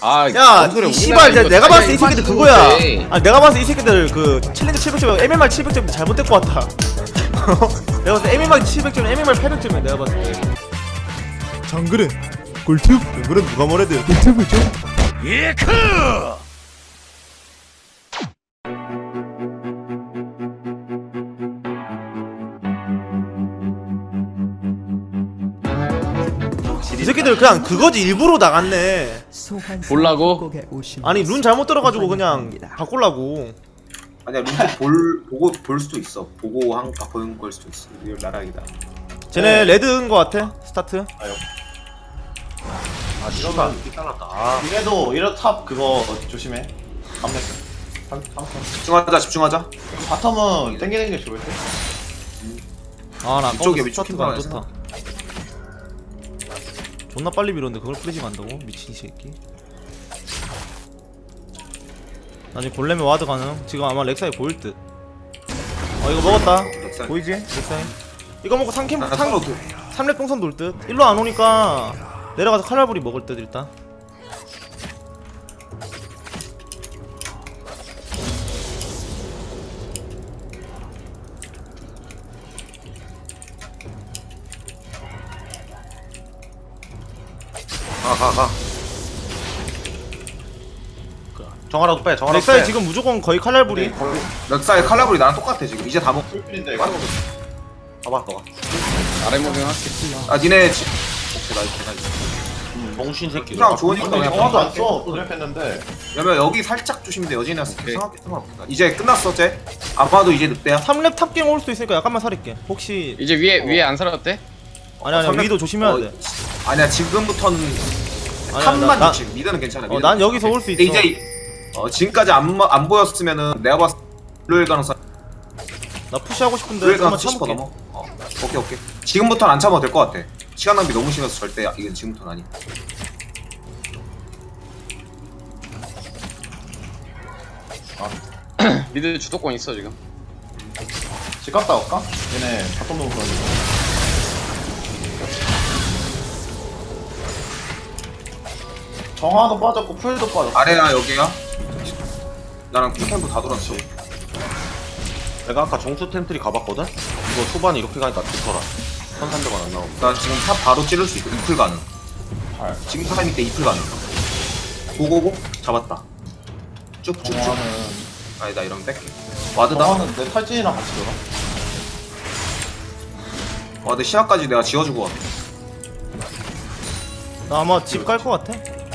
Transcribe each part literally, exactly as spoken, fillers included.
아, 야, 뭔 소리야, 이 씨발, 우리나라 내가 이거 봤을 때 이 자기가 새끼들 일반인 그거야. 건데. 아, 내가 봤을 때 이 새끼들 그 챌린지 칠백 점, 엠엠알 칠백 점 잘못된 것 같아. 내가 봤을 때 엠엠알 칠백 점, 엠엠알 팔백 점이야. 내가 봤을 때. 정글은 꿀팁. 정글은 누가 뭐래도 꿀팁이죠. 예크. 이 새끼들 그냥 그거지 일부러 나갔네. 볼라고? 아니 룬 잘못 들어가지고 그냥 바꾸려고. 아니야 룬트 볼 보고 볼 수도 있어. 보고 한 바꾸는 걸 수도 있어. 이거 나락이다. 쟤네 레드인 거 같아 스타트. 아 씨발 잘랐다. 아, 이래도 이래 탑 그거 조심해. 감냈어. 집중하자 집중하자. 바텀은 땡기는 게 좋을 듯. 아나 위쪽에 스타트가 안 위쪽 좋다. 존나 빨리 밀었는데 그걸 뿌리지 만다고? 미친 새끼. 나중에 골렘에 와드 가능. 지금 아마 렉사이 보일 듯. 어 이거 먹었다. 렉사이. 보이지? 렉사이. 이거 먹고 삼 캠 나 삼 상로 도 삼렙 동선 돌 듯. 일로 안 오니까 내려가서 칼날부리 먹을 듯 일단. 가가 가. 정하라도 빼. 정하라도 렉사이 빼. 지금 무조건 거의 칼날부리. 렉사의 칼라브리 나랑 똑같아 지금. 이제 다 먹. 풀필인데 이거. 봐봐 너가. 아래 무빙 할게. 아 니네 지... 오케이 나 이렇게 나 이렇게. 정신 새끼. 그냥 좋으니까 근데 그냥 정화도 안 할게. 써. 드랩했는데. 그러면 여기 살짝 조심돼. 여진이랑 상관없게 상관없다. 이제 끝났어 쟤. 아마도 이제 늑대야. 삼렙 탑갱 올 수도 있으니까 약간만 살릴게. 혹시 이제 위에 위에 안 살았대? 아니 아니 삼렙- 위도 조심해야 어, 돼. 아니야 지금부터는 아니야, 탑만 나- 지금 미드는 괜찮아. 어, 난 여기서 올 수 근데 있어. 이제 어, 지금까지 안, 마- 안 보였으면은 내가 봤을 때 블루일 가능성 나 푸시하고 싶은데 블루일 잠깐만 가능성 칠십 퍼센트 참을게. 넘어. 어, 오케이 오케이. 지금부터는 안 참아도 될 것 같아. 시간 낭비 너무 심해서 절대 이건 지금부터는 아니. 미드 주도권 있어 지금. 집 갔다 올까? 얘네 바텀 놓은 거. 정화도 빠졌고 풀도 빠졌고. 아래야 여기야. 나랑 쿨템포 다 돌았어. 내가 아까 정수 템트리 가봤거든? 이거 초반에 이렇게 가니까 좋더라. 선산대만 안 나오고. 나 지금 탑 바로 찌를 수 있고 이풀 가능. 잘. 지금 타이밍 때 이풀 가능. 고고고 잡았다. 쭉쭉쭉. 정화는 아니다 이러면 뺄게. 와드다. 정화는 내 탈진이랑 같이 들어. 와드 시야까지 내가 지어주고 갈게. 나 아마 집 갈 것 같아.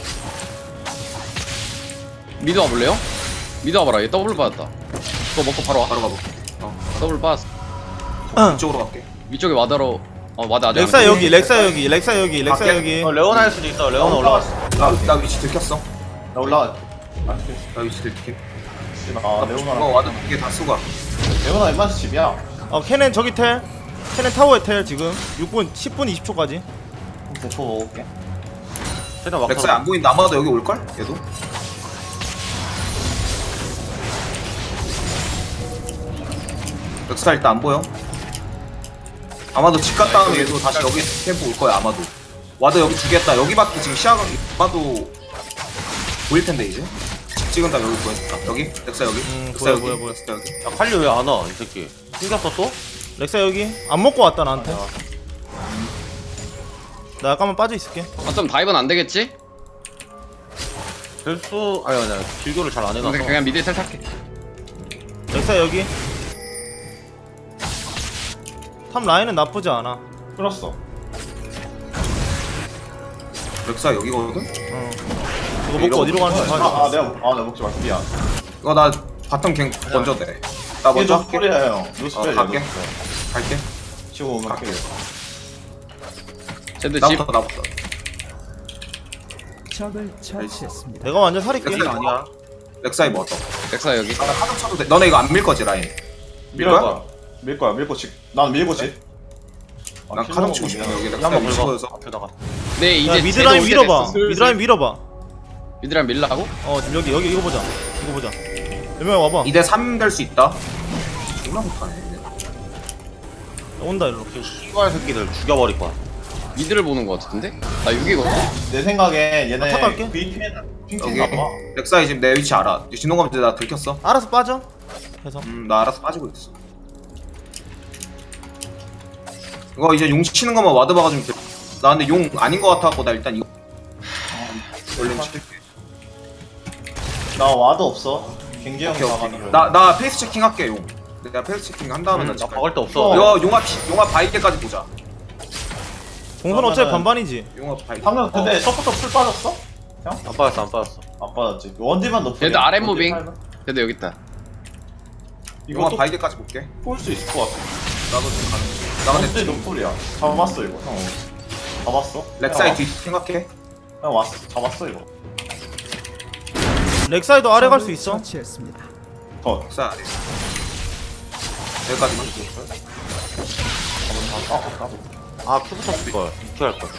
미드 와볼래요? 미드 와봐라. 얘 더블 받았다. 그거 먹고 바로 와. 바로 가볼게. 어. 더블 받았어. 이쪽으로 갈게. 위쪽에 와드로 어 와드 아직 렉사 안 여기, 렉사 여기, 렉사 여기, 렉사 밖에? 여기. 어 레오나 할 수도 있어. 레오나 올라갔어. 나, 나 위치 들켰어. 나 올라가. 아, 나 위치 들킬게. 아 어 레오나랑. 와드 두 개 다 쓰고 갈게. 레오나 웬만해서 집이야. 어 캐넨 저기 텔. 캐넨 타워에 텔 지금 육 분, 십 분 이십 초까지. 대포 먹을게. 최대한 막 렉사이 안 보인다. 아마도 여기 올걸? 얘도? 렉사 일단 안 보여. 아마도 집 갔다 오면 얘도 다시 여기 템포 올 거야 아마도. 와드 여기 주겠다. 여기밖에 지금 시야가 아마도 보일 텐데 이제. 집 찍은 다음 여기 보였다. 여기? 렉사 여기? 음, 렉사 보여, 여기? 보여, 보여. 렉사 여기? 야 칼리 왜 안 와? 이 새끼. 생겼어 또? 렉사 여기. 안 먹고 왔다 나한테. 나 약간만 빠져 있을게. 어쩜 다이브는 안 되겠지? 될수 아니 아니 길교를 잘 안 해놔서. 근데 그냥 미드에 텔 탈게. 렉사 여기. 탑 라인은 나쁘지 않아. 끌었어. 렉사 여기거든? 어. 이거 먹고 어디로 가는지 아, 봐야 아 내가 아 내가 먹지 말게 미안. 이거 나 바텀 갱 먼저 돼. 나 먼저 할게. 노스플이야 형. 노스플. 어, 갈게. 갈게. 지금 오면 갈게. 갈게. 쟤들 집 나부터 나부터. 적을 처치했습니다. 내가 완전 살릴게. 렉사이 아니야. 렉사이 뭐 어떠? 렉사 여기. 아, 나 카드 쳐도 돼. 너네 이거 안 밀 거지 라인? 밀 밀 거야? 거야. 밀 거야. 밀고 집. 난 밀고 집. 아, 난 카드 치고 싶어. 여기 렉사이 한번 위치 긁어. 보여서. 앞에다가. 네 이제 야 미드라인 쟤도 올 밀어봐. 때 됐어. 미드라인 밀어봐. 미드라인 밀라고? 어 지금 여기 여기 이거 보자. 이거 보자. 몇명 와봐. 이 대 삼 될 수 있다. 존나 못하네. 얘네. 온다 일로. 씨발 새끼들 죽여버릴 거야. 미드를 보는 거 같은데? 나 육이거든? 내 생각에 얘네 아, 탑 갈게. 브이피엔 여기 렉사이 지금 내 위치 알아. 진동감 이제 나 들켰어. 알아서 빠져 해서 음, 나 알아서 빠지고 있어. 이거 이제 용 치는 것만 와드 박아주면 돼. 나 근데 용 아닌 것 같아갖고 나 일단 이거 얼른 칠게. 나 와드 없어. 굉장히 오케이 나가는 오케이. 거. 나 나 페이스 체킹 할게 용. 내가 페이스 체킹 한 다음에 음, 나 나 칠게. 박을 데 없어. 이거 용화 피- 용화 바이게까지 보자. 공선 어차피 그러면은- 반반이지. 용화 바이. 방금 근데 서포터 풀 빠졌어? 형? 안 빠졌어 안 빠졌어. 안 빠졌지. 원딜만 높여. 얘도 아랫 무빙. 그래도 여기 있다. 용화 이것도 바이게까지 볼게. 볼수 있을 것 같아. 나도 지금 가는. 나 근데 원딜 지금 노플이야. 잡았어 이거. 형. 잡았어? 렉사이 형, 뒤 생각해. 형 왔어. 잡았어 이거. 렉사이도 아래 갈 수 있어. 더. 렉사이 아래. 여기까지만. 아 큐부터 쓸 걸. 큐 할 걸.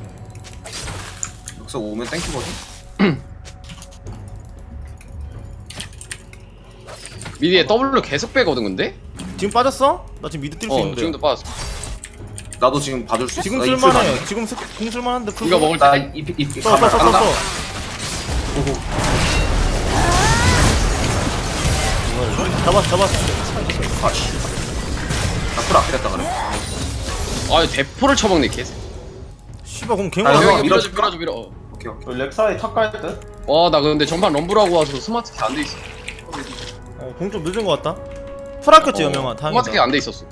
여기서 오면 땡큐거든. 미디에 W 계속 빼거든 근데? 지금 빠졌어? 나 지금 미드 뛸 수 어 있는데. 지금도 빠졌어. 나도 지금 봐줄 수 있어. 지금 나 입술 쓸만해. 봐줘. 지금 스- 공 쓸만한데. 이거 먹을 때 나입입입 써써 써 써. 잡았어 잡았어. 아씨. 나풀 아끼랬다 그래. 아 대포를 쳐먹네 개새. 씨발 그럼 갱 아, 와. 형, 여기 밀어줘 밀어줄까? 밀어줘 밀어. 어. 오케이 오케이. 그 렉사이 탑갈 듯? 와나 근데 전판 럼블하고 와서 스마트 키 안 돼 있어. 어, 공 좀 늦은 것 같다. 프라켰지 여명아. 스마트 키 다행이다. 안 돼 있었어.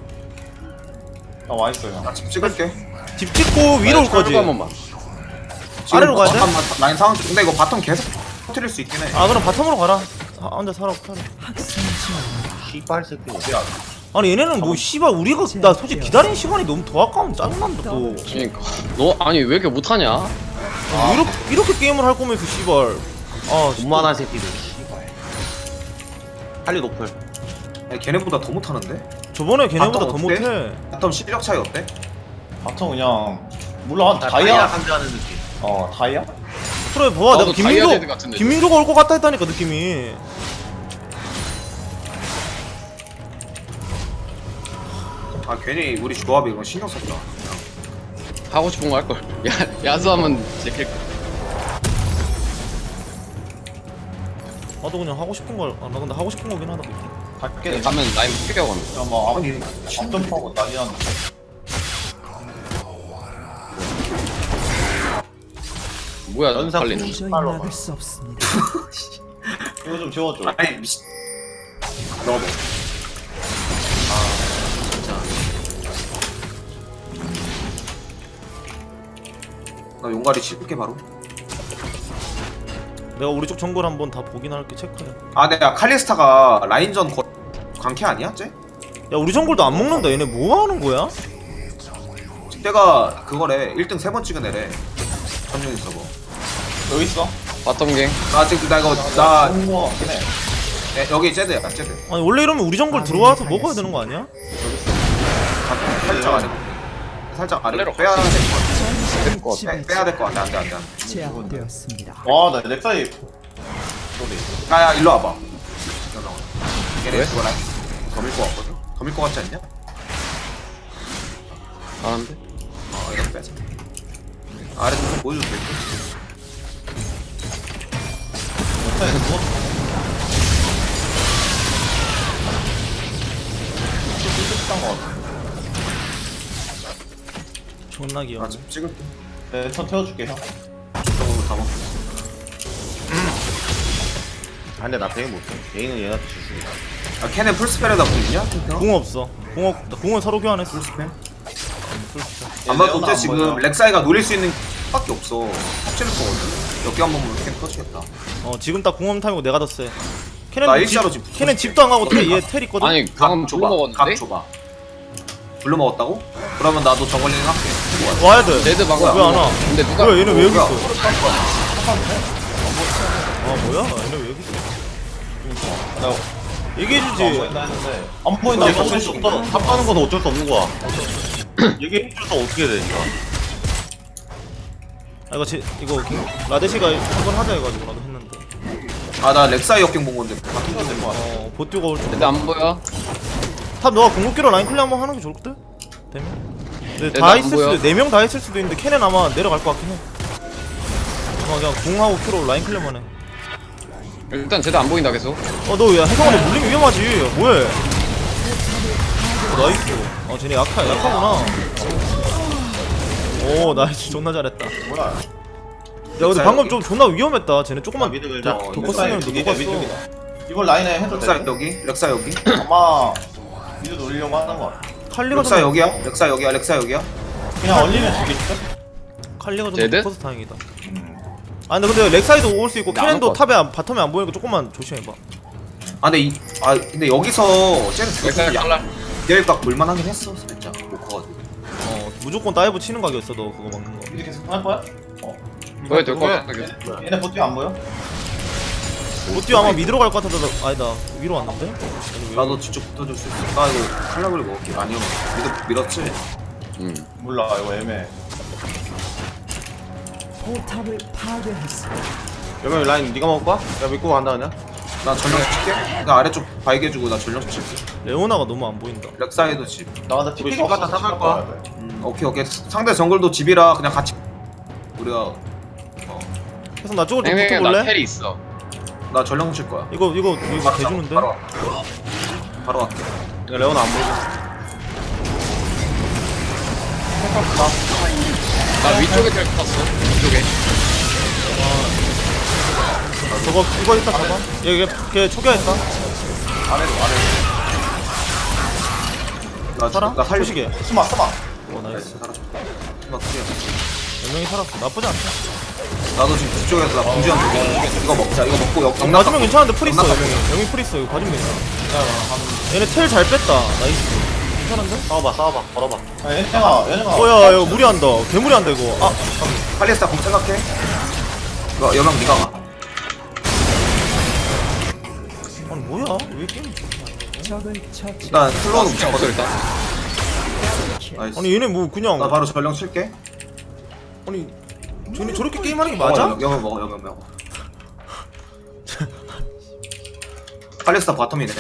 나 와있어 형. 나 지금 찍을게. 집 찍고 위로 올 거지. 한 번만. 지금 아래로 가야 돼? 잠깐만, 라인 상황 좀- 근데 이거 바텀 계속 터뜨릴 수 있긴 해. 아 그럼 바텀으로 가라. 아, 혼자 살아 살아. 씨발 새끼. 어디야? 아니 얘네는 뭐 씨발 우리가 나 솔직히 기다리는 시간이 너무 더 아까운 짜증난다 또. 그러니까 너 아니 왜 이렇게 못하냐? 아, 이렇게 이렇게 게임을 할 거면서 씨발. 아 돈만한 새끼들. 씨발. 할리 높을. 아니, 걔네보다 더 못하는데? 저번에 걔네보다 바텀 더 어때? 못해. 바텀 실력 차이 어때? 바텀 그냥 물론 한 다이아 다이아. 상대하는 느낌. 어 다이아? 그래 봐봐 나도 내가 다이아 데드 김민조 같은데. 김민조가 올 것 같다 했다니까 느낌이. 아 괜히 우리 조합이 이건 신경 썼다. 하고 싶은 거 할 걸. 야 야수하면 제킬. 나도 그냥 하고 싶은 걸. 아, 나 근데 하고 싶은 거긴 하다. 갈게. 야 가면 라인 피겨 가면. 뭐 아니 점프하고 난리 났네. 뭐야 연상 달리는. 이거 좀 지워줘. 아니 미친. 너무. 나 용가리 칠게 바로. 내가 우리 쪽 정글 한번 다 보긴 할게 체크해. 아 내가 칼리스타가 라인전 거... 광캐 아니야 쟤? 야 우리 정글도 안 먹는다. 얘네 뭐 하는 거야? 때가 그거래 일 등 세 번 찍은 애래. 전용인 서버. 여기 있어. 바텀 갱. 나 지금 나 이거 나 좋은 거 같긴 해. 에, 여기 쟤드야 쟤드. 아니 원래 이러면 우리 정글 들어와서 먹어야 되는 거 아니야? 살짝 아래. 살짝 아래로 아래로 빼야 같이. 될것 같아. 빼, 빼야 될 것 같아. 안돼 안돼 안돼. 제압되었습니다. 와, 나 렉사이 소리. 야야 일로 와봐. 일로 나와. 얘네 그거 라인 더 밀고 왔거든. 더 밀고 같지 않냐? 잘하는데? 어 이거 빼자. 아래 좀 보여줘도 될 듯. 렉사이 누웠어. 거 같아. 존나 귀여워. 나 지금 찍을게. 내턴 태워줄게 형. 저쪽으로 다 먹고. 아 근데 나 베인 못해. 베인은 얘한테 줄 수 있어. 아 캐넨 풀스펠에다 보이냐? 궁 없어. 궁 없. 궁은 서로 교환했어. 풀스펠? 얘 아마 레오나 어째 안 지금 보여. 렉사이가 노릴 수 있는 밖에 없어. 합치를 거거든. 여기 한 번만 캠 터치겠다. 어 지금 딱 궁엄 타이고 내가 더 세. 나 캐넨 일자로 집, 지금 캐넨 집도 안 가고 텔, 얘텔 있거든. 아니 방금 줘봐. 블루 각 먹었는데? 줘봐. 블루 먹었다고? 그러면 나도 저걸링 할게. 와야 돼. 레드 방금 왜 안 와? 근데 누가 뭐야 얘는 왜 여기 뭐야? 있어? 아 뭐야? 얘네 왜 여기 있어? 나 얘기해주지. 안 보인다 했는데 안 보인다. 근데 어쩔 어쩔 수 수 없다. 없다. 탑 가는 건 어쩔 수 없는 거야. 얘기해줘서 어떻게 돼, 진짜. 아 이거 제, 이거 king- 라데시가 한번 하자 해가지고 나도 했는데. 아나 렉사이 역경 본 건데. 바뀐 건될것 같아. 어 보트가 올 줄. 레드 안 보여? 탑 너가 궁극기로 라인 클리어 한번 하는 게 좋을 듯? 되면. 근데 얘도 다 안 있을 보여. 수도 네 명 다 있을 수도 있는데 캐넨 아마 내려갈 것 같긴 해. 어 그냥 공하고 큐로 라인 클리어만 해. 일단 쟤도 안 보인다 계속. 어너야 혜성아 너 물리면 위험하지. 뭐해? 어, 나이스. 어 쟤네 약하 약하구나. 오 나이스 존나 잘했다. 뭐야? 야 근데 자, 방금 여기. 좀 존나 위험했다. 쟤네 조금만 미드 밀자. 더- 어, 더 렉사 컸으면 너 이게 녹았어. 미드이다. 이걸 라인에 해도 렉사 돼. 여기 렉사 여기 아마 미드 노리려고 하는 거 같아. 칼리가 렉사 좀 여기야 렉사 여기야 렉사 여기야 그냥 얼리면 죽겠어? 칼리가 좀 쟤들? 커서 다행이다. 아 근데 근데 렉사이드 올 수 있고 나안 캐넨도 올 것 탑에 안, 바텀에 안 보이니까 조금만 조심해봐. 아 근데 이, 아 근데 여기서 쟤는 렉사 죽었으면 칼날. 양각 볼만하긴 했어 살짝 못 커가지고 어 무조건 다이브 치는 각이었어 너 그거 막는 거. 미드 계속 할 거야? 어. 보여 될것 같아. 얘네, 얘네 보트 안 보여? 로띠 아마 미드로 갈 것 같아서 나- 아니다 위로 왔는데? 나도 직접 붙어줄 수 있어 나 이거 칼라블 먹을게 아니요 믿어, 믿었지? 음. 몰라 이거 애매해. 여명 라인 네가 먹을 거야? 야 믿고 간다 그냥. 나 전령 칠게 나 아래쪽 바이게주고 나 전령 칠게 레오나가 너무 안 보인다. 렉사이드 집 나 근데 우리 티피가 똑같다, 없어서 삼할 집 거야. 가야 돼. 음, 오케이 오케이 상대 정글도 집이라 그냥 같이 우리가 어, 그래서 나 쪽으로 좀 땡땡이 나 붙어볼래? 텔이 있어. 나 전령 칠 거야 이거 이거 이거 바로 대주는데? 바로 갈게. 바로 갈게 야 레오나 안 보이게. 나 위쪽에 텔 탔어. 위쪽에. 저거 이거 일단 잡아. 얘, 얘, 걔 초기화했다. 아래로 아래로. 나, 살아? 나 살려 소식에. 숨어 숨어. 어 나이스. 살아줘 나 클리어 몇 명이 살았어. 나쁘지 않다. 나도 지금 뒤쪽에서 나 공지한 거 이거 먹자 이거 먹고 역 영 맞으면 괜찮은데 풀 있어. 영락 여명이. 여명이 풀 있어. 이거 봐주면 괜찮아. 얘네 텔 잘 뺐다. 나이스. 괜찮은데? 싸워봐 싸워봐 걸어봐. 야, 얘네가 얘네가. 어야 이거 무리한다. 개무리한다 이거. 아 팔리스타 공 생각해 이거 여명 니가 가 아니 뭐야? 왜 게임? 일단 슬로우는 죽었어 붙였거든 일단. 나이스 아니 얘네 뭐 그냥 나 바로 전령 칠게 아니 쟤네 저렇게 게임하는 게 맞아? 먹어, 여명 먹어 여명 먹어 팔리스타 바텀이네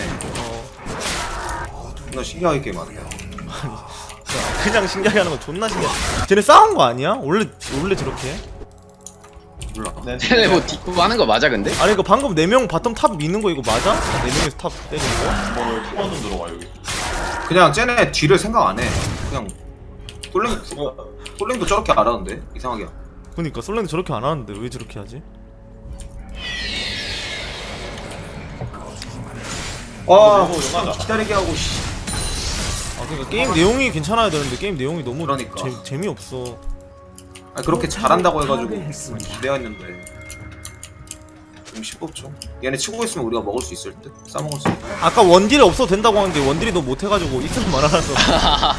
어 너 신기하게 게임하네 그냥 신기하게 하는 건 존나 신기해. 쟤네 싸운 거 아니야? 원래 원래 저렇게 해? 몰라 내 쟤네 뭐 뒷부 하는 거 맞아 근데? 아니 이거 방금 네 명 바텀 탑 미는 거 이거 맞아? 네 명에서 탑 때리는 거? 뭐를 투번 좀 들어가 여기. 그냥 쟤네 뒤를 생각 안해 그냥 솔랭 솔랭도 저렇게 안 하는데 이상하게 그니까 솔랭도 저렇게 안 하는데 왜 저렇게 하지? 와 이거 용하자. 기다리게 하고 씨. 아 그니까 게임 내용이 괜찮아야 되는데 게임 내용이 너무 그러니까. 재, 재미없어. 아니, 그렇게 잘한다고 해가지고 기대했는데 좀 쉽겠죠 얘네 치고 있으면 우리가 먹을 수 있을 듯? 싸먹을 수 있을 듯? 아까 원딜 없어도 된다고 하는데 원딜이 너 못해가지고 있으면 말아놔서.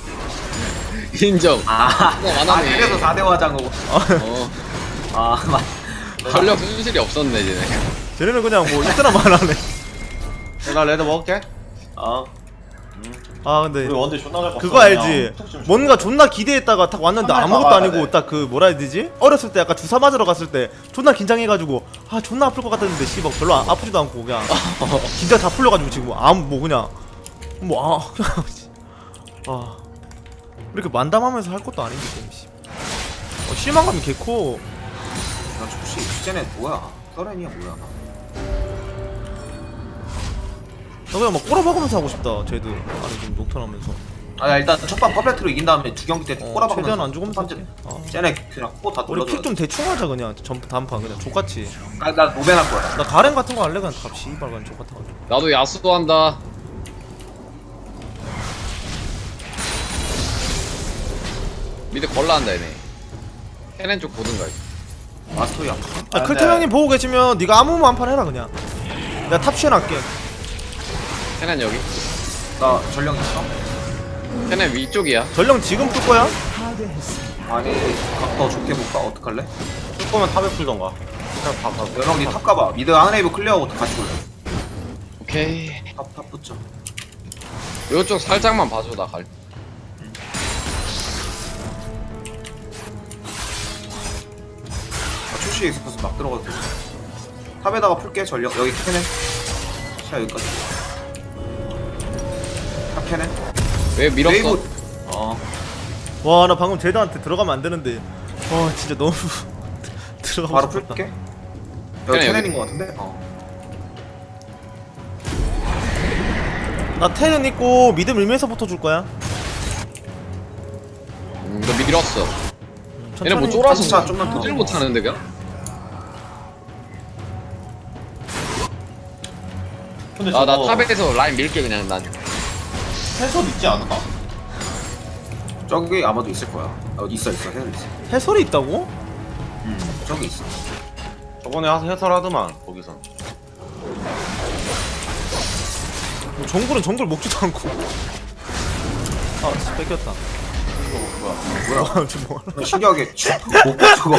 인정. 아, 어, 안 아 하네. 그래서 사 대 화장하고 어. 아 맞. 전력 순실이 없었네 쟤네. 쟤네는 그냥 뭐 있으나 말하네. 야, 나 레드 먹을게. 아 아 근데 우리 원딜 존나 잘 껐어. 그거 알지? 툭 좀 뭔가 존나 기대했다가 딱 왔는데 한발 아무것도 막아야 아니고 돼. 딱 그 뭐라 해야 되지? 어렸을 때 약간 주사 맞으러 갔을 때 존나 긴장해가지고 아 존나 아플 것 같았는데 씨발 별로 아, 아프지도 않고 그냥 긴장 다 풀려가지고 지금 아무 뭐 그냥 뭐 아 그냥 아 이렇게 만담하면서 할 것도 아닌데 게임 씨. 어, 실망감이 개코. 나 혹시 쟤네 뭐야 서렌이야 뭐야 나 그냥 막 꼬라박으면서 하고 싶다 쟤들 아니 지금 녹턴하면서 아 일단 첫판 퍼펙트로 이긴 다음에 두 경기 때 어, 꼬라박으면서 최대한 안 죽으면 첫 되지. 번째 아. 쟤네 그냥 코다 우리 돌려줘 픽 좀 대충 하자 그냥 전 다음 판 그냥 족같이. 아, 나 노벤 할 거야 나 가렌 같은 거 할래 그냥 갑 씨발 그냥 족같아가지고. 나도 야수도 한다. 미드 걸라 한다 얘네. 캐넨 쪽 보든가. 마스터야 아, 아, 클테 근데- 형님 보고 계시면 네가 아무 한 판 해라 그냥. 내가 탑션 할게. 캐넨 여기. 나 전령 있어? 캐넨 위쪽이야. 전령 지금 풀 거야? 아니 더 좋게 볼까? 어떡할래? 쓸 거면 탑에 풀던가. 그냥 봐 봐. 여령 니탑 가봐 미드 하네이브 클리어하고 같이 올래 오케이. 탑탑 붙자 요쪽 살짝만 봐줘 나 갈. 아, 출시에 있어서 막 들어가도 돼 탑에다가 풀게 전령 여기 캐네 자 여기까지 탑 캐네 왜 밀었어? 웨이브 어 와 나 방금 제드한테 들어가면 안 되는데. 와 진짜 너무 들어가고 바로 싶었다. 풀게. 그냥 여기 여기. 테넨인 것 같은데? 어. 나 테는 있고 미드 밀면서부터 줄 거야. 음, 너 밀었어. 음, 얘네 뭐 천천히. 쫄아서 진짜 좀만 더. 도질 못하는데 그냥? 근데 아, 나 저거 탑에서 라인 밀게 그냥 난. 해설 있지 않나? 저기 아마도 있을 거야. 어, 있어 있어 해설 있어. 해설이 있다고? 음 저기 있어. 저번에 하- 해설하더만 거기서. 뭐 정글은 정글 먹지도 않고. 아 진짜 뺏겼다. 뭐야? 지금 뭐? 어, 신기하게 못 저거.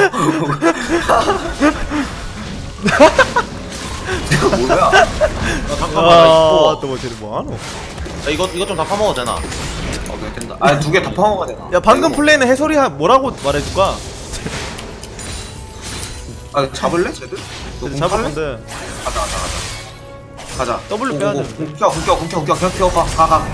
이거 뭐야? 야, 잠깐만 나 아, 이거. 또뭐 쟤는 뭐하노? 야, 이거 이거 좀 다 파먹어도 되나? 오케이 된다. 아 두 개 다 파먹어야 되나? 야 방금 이거 플레이는 해설이 하- 뭐라고 말해줄까? 아 잡을래 쟤들? 너 쟤들 공 잡을 탈래? 건데. 가자 가자 가자. 가자. W 오, 빼야 오, 오. 돼. 공 켜, 공 켜, 공 켜, 공 켜, 공 켜, 가, 가, 가.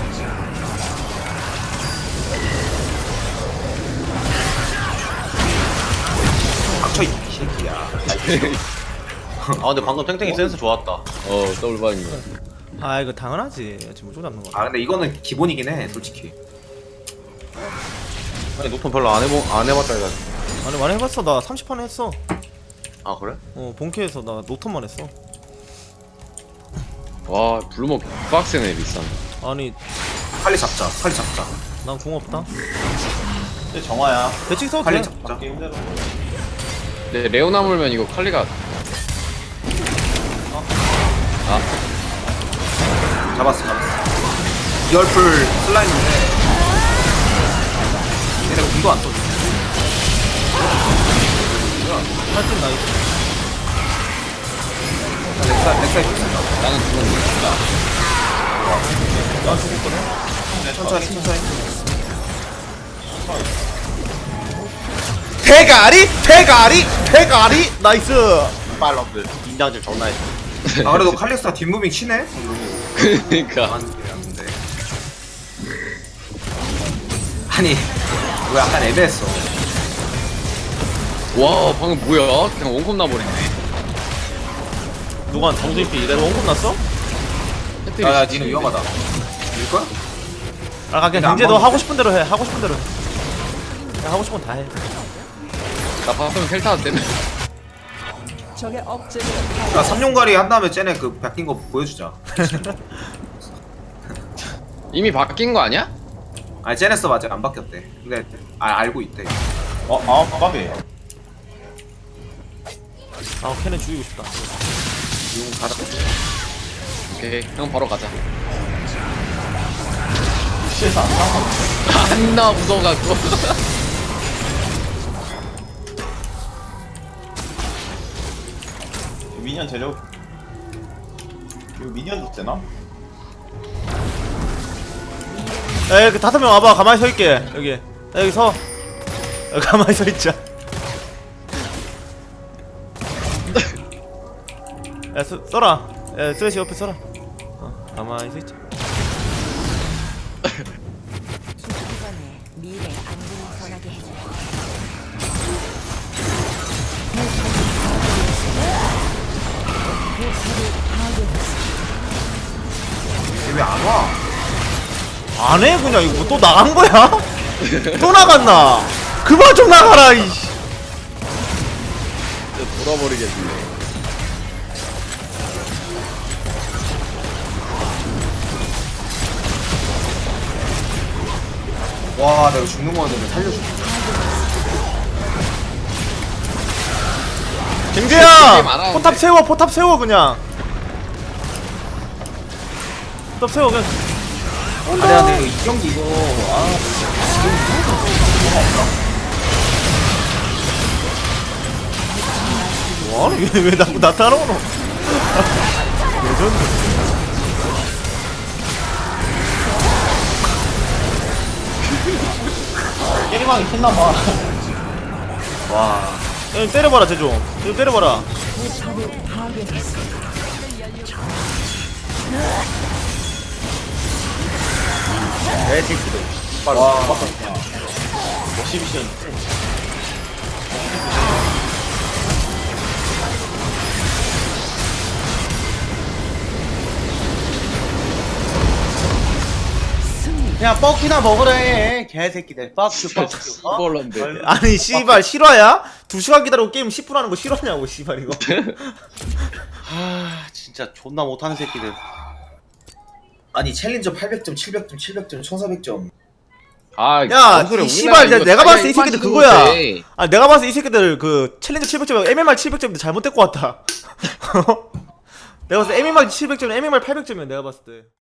닥쳐 이 새끼야. 아 근데 방금 탱탱이 센스 좋았다. 어, 더블 바인 거. 아 이거 당연하지. 지금 못 잡는 거. 아 근데 이거는 기본이긴 해, 솔직히. 아니 노턴 별로 안 해보 안 해봤다 이거. 아니 많이 해봤어. 나 삼십 판 했어. 아 그래? 어 본캐에서 나 노턴만 했어. 와, 블루먹 빡세네 비싼. 아니 빨리 잡자, 빨리 잡자. 난 궁 없다. 근데 정화야. 대칭 써도 빨리 돼. 잡자. 잡기 힘들어. 근데 레오나 물면 이거 칼리가 아, 잡았어, 잡았어. 이열풀 슬라임인데. 얘네가 공도 안 쏘지. 할줄 나이스. 넥사, 넥사 있습니다. 나는 죽었네. 난 죽었거든. 천천히, 천천히. 대가리 대가리 대가리 나이스. 빨럽들 인장질 존나 했어. 아 그래도 칼리스타 뒷무빙 치네? 그니까. 안 되는데. 아니, 이거 약간 애매했어. 와, 방금 뭐야? 그냥 원컵 나버리네. 누가 정수입비 이대로 원금 났어? 해트리 야, 야, 진짜 니는 위험하다. 밀 거야? 아 그냥 근데 안 경제 너 먹는 하고 싶은 대로 해. 하고 싶은 대로 해. 그냥 하고 싶은 건 다 해. 나 봤으면 텔타 때문에. 야, 삼룡가리 한 다음에 쟤네 그 바뀐 거 보여주자. 이미 바뀐 거 아니야? 아니, 쟤네 서 아직 안 바뀌었대. 근데, 아, 알고 있대. 어, 아, 까비. 아 걔는 죽이고 싶다. 용 가자. 오케이, 형 바로 가자. 시에서 안 나와. 안나 무서워갖고. 미니언 재료. 이거 미니언도 되나? 에이 그 다섯 명 와봐. 가만히 서 있게. 여기. 야, 여기 서. 여기 가만히 서 있자. 야 써, 써라. 야 쓰레쉬 옆에 써라. 어 가만히 서 있자. 이번에 미래 안부를 전하게 해줘. 얘 왜 안 와? 안 해 그냥 이거 또 나간 거야? 또 나갔나? 그만 좀 나가라 이씨. 돌아버리겠네. 와, 내가 죽는 거였는데 살려줘. 갱재야 게임 안 하는데. 포탑 세워 포탑 세워 그냥. 포탑 세워 그냥. 아니야, 근데 이 경기 이거, 아, 와 이게 왜 자꾸 나타나노? 레전드. 게임하기 신나봐. 와. 야, 때려봐라 제종. 이거 때려봐라. 와. 십이션. 그냥 뻑키나 먹으래 개새끼들. 뻑큐 뻑큐. 어? 이걸로인데. 아니 씨발 실화야? 두 시간 기다리고 게임 십 분 하는 거 실화냐고 씨발 이거. 아 진짜 존나 못하는 새끼들. 아니 챌린저 팔백 점, 칠백 점, 칠백 점, 천사백 점. 아, 야, 뭔 소리야, 이 씨발, 우리나라 내가 이거 봤을 때 이 다이아 새끼들 일반 그거야. 신고인데. 아 내가 봤을 때 이 새끼들 그 챌린저 칠백 점 엠엠알 칠백 점인데 잘못될 것 같다. 내가 봤을 때 엠엠알 칠백 점 엠엠알 팔백 점이야 내가 봤을 때.